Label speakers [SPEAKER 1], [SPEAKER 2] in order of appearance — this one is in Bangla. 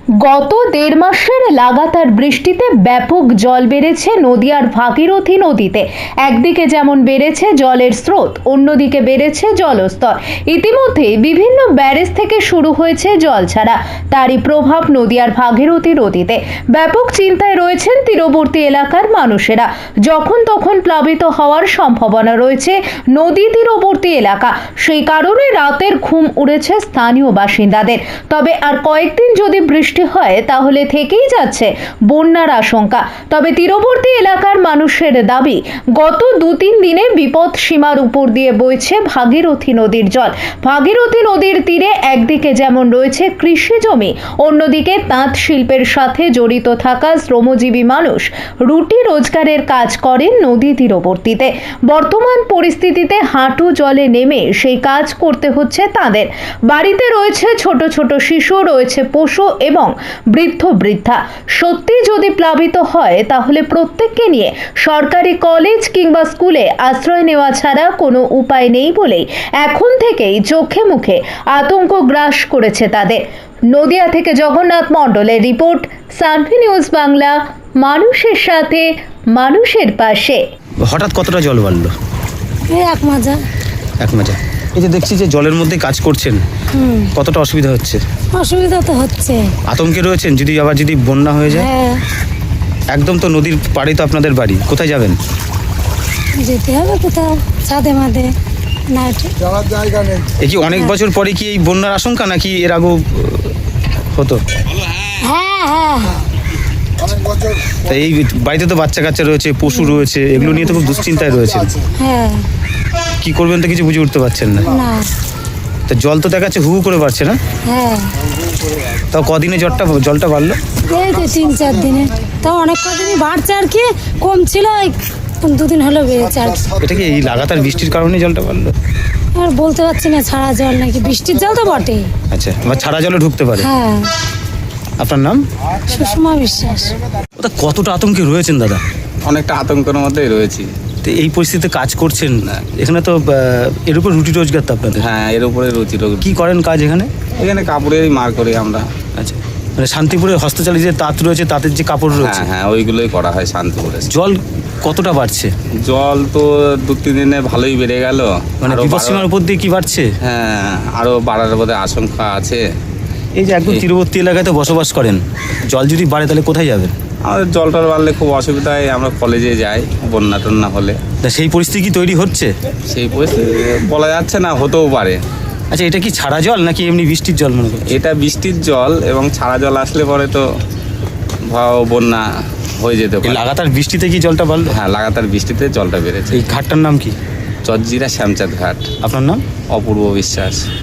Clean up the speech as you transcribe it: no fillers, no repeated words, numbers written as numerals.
[SPEAKER 1] গত দেড় মাসের লাগাতার বৃষ্টিতে ব্যাপক জল বেড়েছে নদিয়ার ভাগীরথী নদীতে। একদিকে যেমন বেড়েছে জলের স্রোত, অন্যদিকে বেড়েছে জলস্তর। ইতিমধ্যে বিভিন্ন ব্যারেজ থেকে শুরু হয়েছে জল ছাড়া। তারই প্রভাব নদিয়ার ভাগীরথী নদীতে। ব্যাপক চিন্তায় রয়েছেন তীরবর্তী এলাকার মানুষেরা। যখন তখন প্লাবিত হওয়ার সম্ভাবনা রয়েছে নদী তীরবর্তী এলাকা। সেই কারণে রাতের ঘুম উড়েছে স্থানীয় বাসিন্দাদের। তবে আর কয়েকদিন যদি বৃষ্টি হয় তাহলে থেকেই যাচ্ছে বন্যার আশঙ্কা। তবে তীরবর্তী এলাকার মানুষের দাবি, গত 2-3 দিনে বিপদ সীমার উপর দিয়ে বইছে ভাগীরথী নদীর জল। ভাগীরথী নদীর তীরে একদিকে যেমন রয়েছে কৃষি জমি, অন্যদিকে তাঁত শিল্পের সাথে জড়িত থাকা শ্রমজীবী মানুষ রুটি রোজগারের কাজ করেন নদী তীরবর্তীতে। বর্তমান পরিস্থিতিতে হাঁটু জলে নেমে সেই কাজ করতে হচ্ছে তাদের। বাড়িতে রয়েছে ছোট ছোট শিশু, রয়েছে পশু এবং বৃদ্ধ বৃদ্ধা। সত্যি যদি প্লাবিত হয় তাহলে প্রত্যেককে নিয়ে সরকারি কলেজ কিংবা স্কুলে আশ্রয় নেওয়া ছাড়া কোনো উপায় নেই বলেই এখন থেকেই চোখে মুখে আতঙ্ক গ্রাস করেছে তাদের। নদিয়া থেকে জগন্নাথ মণ্ডলের রিপোর্ট, সানভি নিউজ বাংলা, মানুষের সাথে মানুষের পাশে।
[SPEAKER 2] হঠাৎ কতটা জল বাড়লো?
[SPEAKER 3] এক মাজা।
[SPEAKER 2] এই যে দেখছি যে জলের মধ্যে কাজ করছেন, কতটা অসুবিধা হচ্ছে?
[SPEAKER 3] অসুবিধা তো হচ্ছে।
[SPEAKER 2] আতঙ্কে রয়েছেন যদি বন্যা হয়ে যায়?
[SPEAKER 3] হ্যাঁ,
[SPEAKER 2] একদম তো নদীর পাড়ে তো আপনাদের বাড়ি, কোথায় যাবেন?
[SPEAKER 3] যেতে হবে কোথাও, ছাদে মাদে না
[SPEAKER 4] যাওয়ার জায়গা নেই।
[SPEAKER 2] এ কি অনেক বছর পরে কি এই বন্যার আশঙ্কা, নাকি এর আগেও হতো?
[SPEAKER 3] হ্যাঁ হ্যাঁ
[SPEAKER 4] অনেক বছর।
[SPEAKER 2] তা এই বাড়িতে তো বাচ্চা কাচ্চা রয়েছে, পশু রয়েছে, এগুলো নিয়ে তো খুব দুশ্চিন্তায় রয়েছেন।
[SPEAKER 3] হ্যাঁ।
[SPEAKER 2] কি করবেন তো কিছু বুঝে উঠতে পারছেন না।
[SPEAKER 3] না।
[SPEAKER 2] তা জল তো দেখাচ্ছে হু করে বাড়ছে না?
[SPEAKER 3] হ্যাঁ।
[SPEAKER 2] তাও কদিনে জলটা বাড়লো?
[SPEAKER 3] এই তো 3-4 দিনে, তাও অনেক কদিনই বাড়ছে আর কি, কম ছিল 2 দিন হলো বেড়েছে আর কি।
[SPEAKER 2] এটা কি এই লাগাতার বৃষ্টির কারণে জলটা বাড়লো?
[SPEAKER 3] আর বলতে পারছি না, ছাড়া জল নাকি, বৃষ্টির জল তো বটে।
[SPEAKER 2] আচ্ছা, বা ছাড়া জলে ঢুকতে পারে।
[SPEAKER 3] হ্যাঁ।
[SPEAKER 2] আপনার নাম?
[SPEAKER 3] সুষমা বিশ্বাস।
[SPEAKER 2] ওটা কতটা আতঙ্কে রয়েছেন দাদা?
[SPEAKER 5] অনেকটা আতঙ্কের মধ্যেই রয়েছি।
[SPEAKER 2] তো এই পরিস্থিতিতে কাজ করছেন, এখানে তো এর উপর রুটি রোজগার তো আপনাদের।
[SPEAKER 5] হ্যাঁ, এর উপরে রুচি রোগ।
[SPEAKER 2] কি করেন কাজ এখানে?
[SPEAKER 5] এখানে কাপড়েরই মার করি আমরা।
[SPEAKER 2] আচ্ছা, মানে শান্তিপুরে হস্তচালিত যে তাঁত রয়েছে, তাঁতের যে কাপড় রয়েছে।
[SPEAKER 5] হ্যাঁ হ্যাঁ, ওইগুলোই করা হয় শান্তিপুরে।
[SPEAKER 2] জল কতটা বাড়ছে?
[SPEAKER 5] জল তো 2-3 দিনে ভালোই বেড়ে গেল।
[SPEAKER 2] মানে
[SPEAKER 5] আরো
[SPEAKER 2] বিপদসীমার উপর দিয়ে কি বাড়ছে?
[SPEAKER 5] হ্যাঁ, আরো বাড়ার বোধহয় আশঙ্কা আছে।
[SPEAKER 2] এই যে একদম তীরবর্তী এলাকায় তো বসবাস করেন, জল যদি বাড়ে তাহলে কোথায় যাবেন?
[SPEAKER 5] আমাদের জলটার বাড়লে খুব অসুবিধায় আমরা কলেজে যাই বন্যা টন্যা হলে।
[SPEAKER 2] তা সেই পরিস্থিতি কি তৈরি হচ্ছে?
[SPEAKER 5] সেই পরিস্থিতি বলা যাচ্ছে না, হতেও পারে।
[SPEAKER 2] আচ্ছা, এটা কি ছাড়া জল নাকি এমনি বৃষ্টির জল মনে করছেন?
[SPEAKER 5] এটা বৃষ্টির জল, এবং ছাড়া জল আসলে পরে তো বন্যা হয়ে যেতে
[SPEAKER 2] এই
[SPEAKER 5] পারে।
[SPEAKER 2] লাগাতার বৃষ্টিতে কি জলটা বাড়লো?
[SPEAKER 5] হ্যাঁ, লাগাতার বৃষ্টিতে জলটা বেড়েছে।
[SPEAKER 2] এই ঘাটটার নাম কি?
[SPEAKER 5] চজ্জিরা শ্যামচাঁদ ঘাট।
[SPEAKER 2] আপনার নাম?
[SPEAKER 5] অপূর্ব বিশ্বাস।